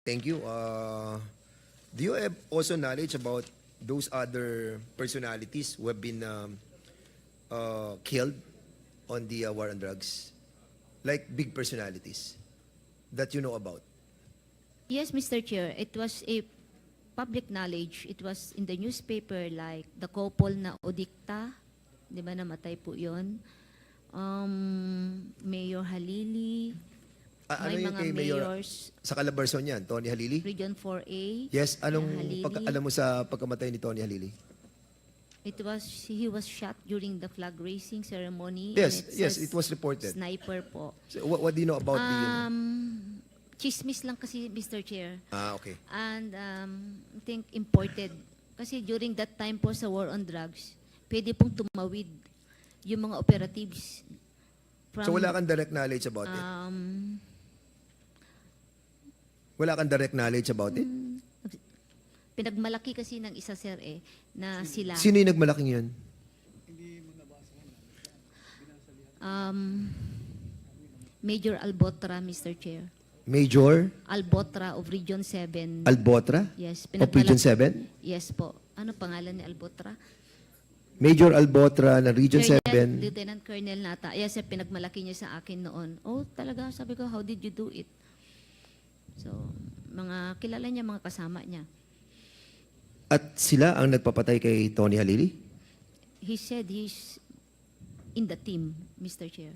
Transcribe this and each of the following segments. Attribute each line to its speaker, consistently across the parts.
Speaker 1: Thank you. Do you have also knowledge about those other personalities who have been killed on the war on drugs? Like big personalities that you know about?
Speaker 2: Yes, Mr. Chair, it was a public knowledge. It was in the newspaper, like the couple na Odikta, di ba, namatay po yun. Mayor Halili,
Speaker 1: Ano
Speaker 2: may
Speaker 1: yung
Speaker 2: mga
Speaker 1: kay Mayor
Speaker 2: mayors,
Speaker 1: sa Calabarzon yan, Tony Halili?
Speaker 2: Region 4A.
Speaker 1: Yes, anong
Speaker 2: Halili.
Speaker 1: alam mo sa pagkamatay ni Tony Halili?
Speaker 2: He was shot during the flag raising ceremony.
Speaker 1: Yes,
Speaker 2: and
Speaker 1: yes,
Speaker 2: says
Speaker 1: it was reported.
Speaker 2: Sniper po.
Speaker 1: So, what do you know about the...
Speaker 2: Chismis lang kasi, Mr. Chair.
Speaker 1: Okay.
Speaker 2: And I think imported. Kasi during that time po sa war on drugs, pwede pong tumawid yung mga operatives.
Speaker 1: So wala kang direct knowledge about it? Wala kang direct knowledge about it?
Speaker 2: Pinagmalaki kasi ng isa, sir, na sila.
Speaker 1: Sino yung nagmalaking yun?
Speaker 2: Major Albotra, Mr. Chair.
Speaker 1: Major
Speaker 2: Albotra of Region 7.
Speaker 1: Albotra?
Speaker 2: Yes.
Speaker 1: Of Region 7?
Speaker 2: Yes po. Ano pangalan ni Albotra?
Speaker 1: Major Albotra ng Region 7.
Speaker 2: Lieutenant Colonel nata. Yes, sir, pinagmalaki niya sa akin noon. Oh, talaga, sabi ko, how did you do it? So, mga kilala niya, mga kasama niya.
Speaker 1: At sila ang nagpapatay kay Tony Halili?
Speaker 2: He said he's in the team, Mr. Chair.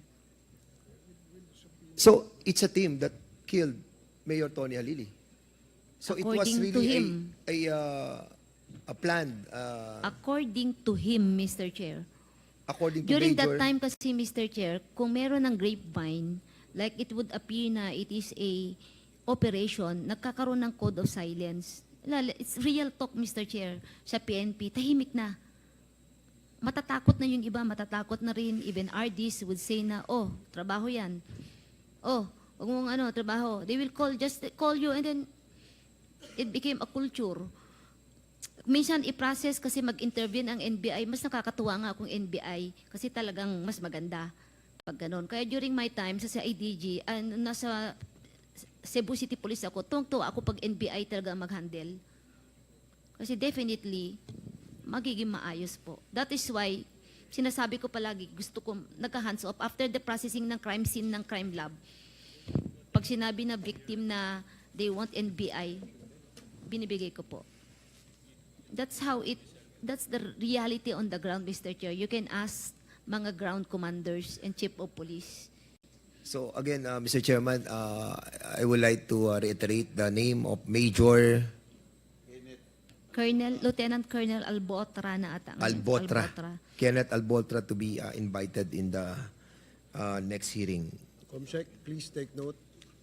Speaker 1: So, it's a team that killed Mayor Tony Halili. So, it was
Speaker 2: According to
Speaker 1: really
Speaker 2: him.
Speaker 1: a planned,
Speaker 2: According to him, Mr. Chair.
Speaker 1: according to
Speaker 2: During
Speaker 1: Major...
Speaker 2: that time kasi, Mr. Chair, kung meron ng grapevine, like it would appear na it is a operation, nagkakaroon ng code of silence. It's real talk, Mr. Chair, sa PNP, tahimik na. Matatakot na yung iba, matatakot na rin. Even RDs would say na, oh, trabaho yan. Oh, huwag mong trabaho. They will just call you and then it became a culture. Minsan i-process kasi mag-intervene ang NBI, mas nakakatuwa nga kung NBI kasi talagang mas maganda pag ganun. Kaya during my time sa CIDG, nasa Cebu City Police ako, tuwang-tuwa ako pag NBI talaga mag-handle. Kasi definitely, magiging maayos po. That is why, sinasabi ko palagi, gusto ko nagka-hands off after the processing ng crime scene ng crime lab. Pag sinabi na victim na they want NBI, binibigay ko po. That's the reality on the ground, Mr. Chair. You can ask mga ground commanders and chief of police.
Speaker 1: So, again, Mr. Chairman, I would like to reiterate the name of Major...
Speaker 2: Lieutenant Colonel Albotra na ata.
Speaker 1: Albotra. Kenneth Albotra to be invited in the next hearing.
Speaker 3: Comsec, please take note.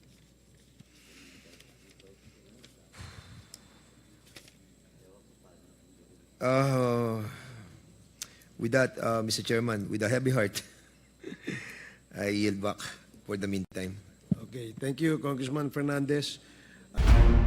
Speaker 1: With that, Mr. Chairman, with a heavy heart, I yield back for the meantime.
Speaker 3: Okay, thank you, Congressman Fernandez.